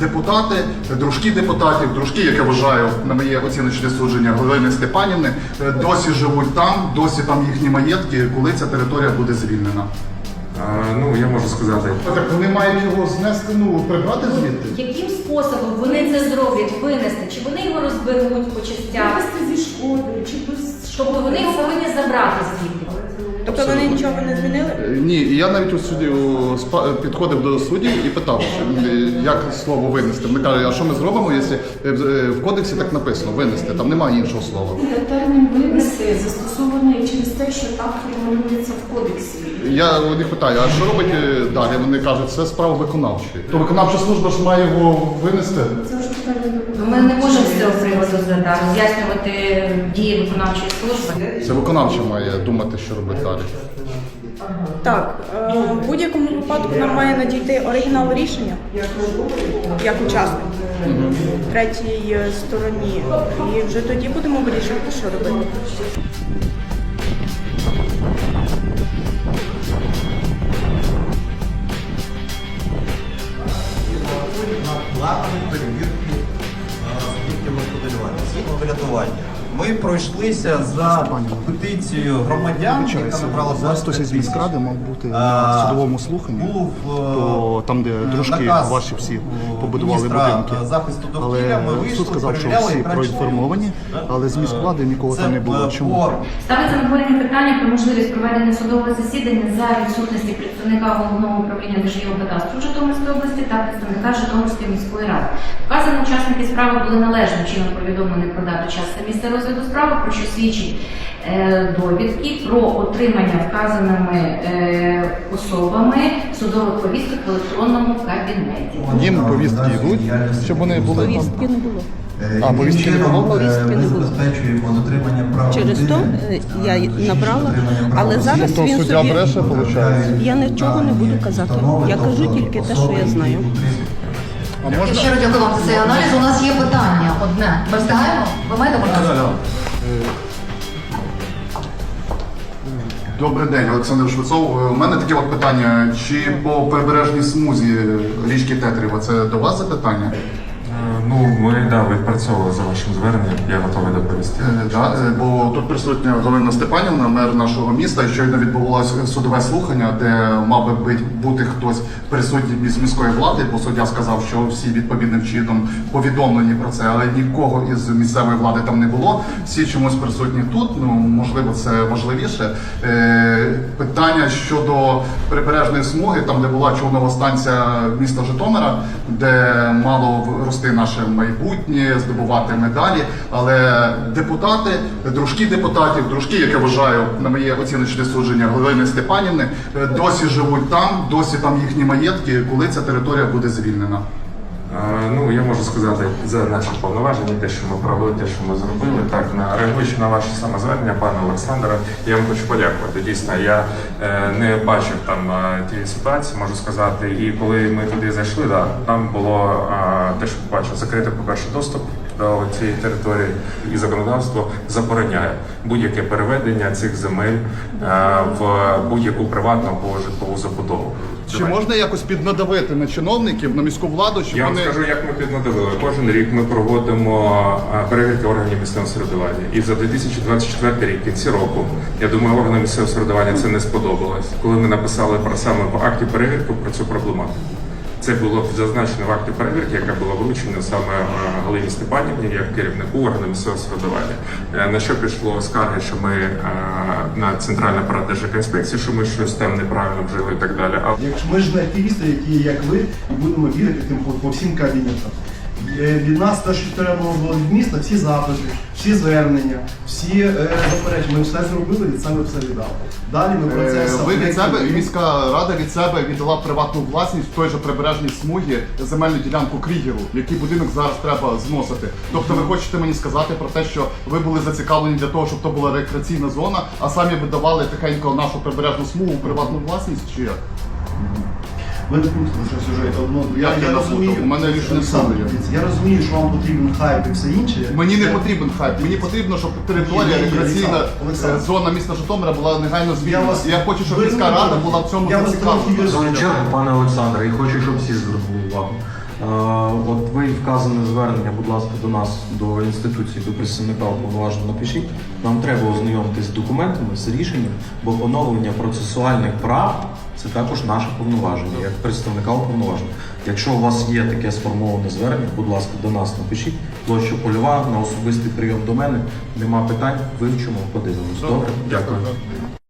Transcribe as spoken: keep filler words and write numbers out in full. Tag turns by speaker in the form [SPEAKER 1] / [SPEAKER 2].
[SPEAKER 1] депутати, дружки депутатів, дружки, як я вважаю, на моє оціночне судження, Галини Степанівни, досі живуть там, досі там їхні маєтки, коли ця територія буде звільнена.
[SPEAKER 2] А, ну, я можу сказати.
[SPEAKER 1] Так вони мають його знести, ну, прибрати звідти?
[SPEAKER 3] Яким способом вони це зроблять, винести? Чи вони його розберуть по частях?
[SPEAKER 4] Вивезти зі шкоди, чи без...
[SPEAKER 3] Тобто вони його повинні забрати звідти?
[SPEAKER 4] Тобто вони нічого не змінили?
[SPEAKER 1] Ні, і я навіть у суді у, спа- підходив до суддів і питав, що, е, як слово винести. Вони кажуть, а що ми зробимо, якщо е, в- е, в кодексі так написано, винести, там немає іншого слова.
[SPEAKER 4] Термін вивезти застосований через те, що так формулюється в кодексі.
[SPEAKER 1] Я у них питаю, а що робить е, далі? Вони кажуть, це справа виконавчої. То виконавча служба ж має його винести.
[SPEAKER 4] Це вже питання до
[SPEAKER 3] Ми не можемо з цього приводу задати, роз'яснювати дії виконавчої служби.
[SPEAKER 1] Це виконавча має думати, що робити далі.
[SPEAKER 4] Так, е, в будь-якому випадку нам має надійти оригінал рішення, як учасник, третій е, стороні. І вже тоді будемо вирішувати, що робити.
[SPEAKER 5] планові перевірки суб'єктів господарювання, згідно врятування. Ми пройшлися за петицією громадян, яка набрала
[SPEAKER 1] Зараз хтось із міськради мав бути на судовому слуханні,
[SPEAKER 5] Був
[SPEAKER 1] то там, де дружки
[SPEAKER 5] наказ
[SPEAKER 1] ваші всі побудували
[SPEAKER 5] міністра
[SPEAKER 1] будинки.
[SPEAKER 5] захисту довкілля,
[SPEAKER 1] Але
[SPEAKER 5] ми вийшли,
[SPEAKER 1] суд сказав, що
[SPEAKER 5] перевіряли
[SPEAKER 1] всі
[SPEAKER 5] і краще
[SPEAKER 1] проінформовані,
[SPEAKER 5] було.
[SPEAKER 1] але з міськвлади нікого
[SPEAKER 5] Це
[SPEAKER 1] там не було. Чому?
[SPEAKER 5] по
[SPEAKER 3] Ставиться на обговорення питання про можливість проведення судового засідання за відсутності представника Головного управління Держгеокадастру Житомирської області та представника Житомирської міської ради. Вказані учасники справи були належним чином повідомлені про дату, час та місце розгляду справи, про що свідчить е, довідки про отримання вказаними е, особами судових повісток в електронному кабінеті.
[SPEAKER 1] Їм повістки йдуть, щоб вони були там.
[SPEAKER 4] Повістки не було.
[SPEAKER 1] А, повістки не було?
[SPEAKER 4] Повістки не
[SPEAKER 5] Ми
[SPEAKER 4] було.
[SPEAKER 5] забезпечуємо дотримання прав
[SPEAKER 4] Через то
[SPEAKER 5] людини.
[SPEAKER 4] е, я набрала, але зараз
[SPEAKER 1] То
[SPEAKER 4] він
[SPEAKER 1] суддя
[SPEAKER 4] собі...
[SPEAKER 1] бреше, виходить.
[SPEAKER 4] Я нічого не буду казати. Я кажу тільки те, що я знаю.
[SPEAKER 1] А можна?
[SPEAKER 6] Щиро дякую вам за цей аналіз. У нас є питання одне. Ми встигаємо? Ви маєте можливість?
[SPEAKER 1] Добрий день, Олександр Швецов. У мене таке от питання. Чи по прибережній смузі річки Тетріва це до вас запитання?
[SPEAKER 2] Е, Ну, ми да, відпрацьовували за вашим зверненням, я готовий доповісти.
[SPEAKER 1] Е, да, е, бо тут присутня Галина Степанівна, мер нашого міста, і щойно відбувалося судове слухання, де мав би бути- бути хтось присутній з міської влади, бо суддя сказав, що всі відповідним чином повідомлені про це, але нікого із місцевої влади там не було. Всі чомусь присутні тут, ну можливо, це важливіше. Е, питання щодо прибережної смуги, там де була човнова станція міста Житомира, де мало рости наше майбутнє, здобувати медалі. Але депутати, дружки депутатів, дружки, як я вважаю, на моє оціночне судження, Галини Степанівни, досі живуть там, досі там їхні маєтки, коли ця територія буде звільнена.
[SPEAKER 2] Е, Ну, я можу сказати за наші повноваження, те, що ми провели, те, що ми зробили. Так, на реагуючи на ваше самозвернення, пане Олександре, я вам хочу подякувати. Дійсно, я е, не бачив там е, тієї ситуації, можу сказати. І коли ми туди зайшли, да, там було е, те, що побачив, закритий, по-перше, доступ до цієї території, і законодавство забороняє будь-яке переведення цих земель е, в будь-яку приватну або житлову забудову.
[SPEAKER 1] Чи можна якось піднадавити на чиновників, на міську владу, щоб
[SPEAKER 2] Я вам
[SPEAKER 1] вони...
[SPEAKER 2] скажу, як ми піднадавили. Кожен рік ми проводимо а, перевірки органів місцевого самоврядування. І за дві тисячі двадцять четвертий рік, в кінці року, я думаю, органам місцевого самоврядування це не сподобалось, коли ми написали про саме в акті перевірки про цю проблематику. Це було зазначено в акті перевірки, яка була вручена саме а, Галині Степанівні, як керівнику органу місцевого самоврядування. Е, На що пішло скарги, що ми а, на Центральний апарат Держекоінспекції, що ми щось там неправильно вжили і так далі. А
[SPEAKER 7] Якщо ми ж не активісти, які як ви, і будемо бігати тим по, по всім кабінетам. Е, Від нас те, що треба було від міста, всі запити, всі звернення, всі е, заперечення. Ми все зробили, від себе все віддали. Далі ми
[SPEAKER 1] Е,
[SPEAKER 7] процес.
[SPEAKER 1] Ви від себе, міська рада від себе віддала приватну власність в той же прибережній смугі земельну ділянку Крігеру, який будинок зараз треба зносити. Тобто ви хочете мені сказати про те, що ви були зацікавлені для того, щоб то була рекреаційна зона, а самі видавали тихенько нашу прибережну смугу в приватну власність, чи як?
[SPEAKER 7] Ви не пустите що сюжет одно. Я,
[SPEAKER 1] Як я
[SPEAKER 7] я
[SPEAKER 1] напутав?
[SPEAKER 7] розумію,
[SPEAKER 1] У мене рішення
[SPEAKER 7] Олександр,
[SPEAKER 1] суду є.
[SPEAKER 7] дивіться, я розумію, що вам потрібен хайп і все інше.
[SPEAKER 1] Мені не
[SPEAKER 7] Це-
[SPEAKER 1] потрібен хайп, мені потрібно, щоб територія,
[SPEAKER 7] Ні, ні,
[SPEAKER 1] рекреаційна
[SPEAKER 7] Олександр, Олександр.
[SPEAKER 1] е, зона міста Житомира була негайно звільнена.
[SPEAKER 7] вас-
[SPEAKER 1] Я хочу, щоб
[SPEAKER 7] ви
[SPEAKER 1] міська
[SPEAKER 7] не
[SPEAKER 1] рада
[SPEAKER 7] можете.
[SPEAKER 1] була в цьому
[SPEAKER 7] Я вас
[SPEAKER 1] зацікавлена.
[SPEAKER 7] трохи
[SPEAKER 8] В свою чергу, пане Олександре, і хочу, щоб всі звернули увагу. От ви вказане звернення, будь ласка, до нас, до інституції, до представника уповноваженого напишіть. Нам треба ознайомитись з документами, з рішенням, бо поновлення процесуальних прав це також наше повноваження, як представника уповноваженого. Якщо у вас є таке сформоване звернення, будь ласка, до нас напишіть. Площа Польова, на особистий прийом до мене. Нема питань, вивчимо, подивимось. Добре? Дякую.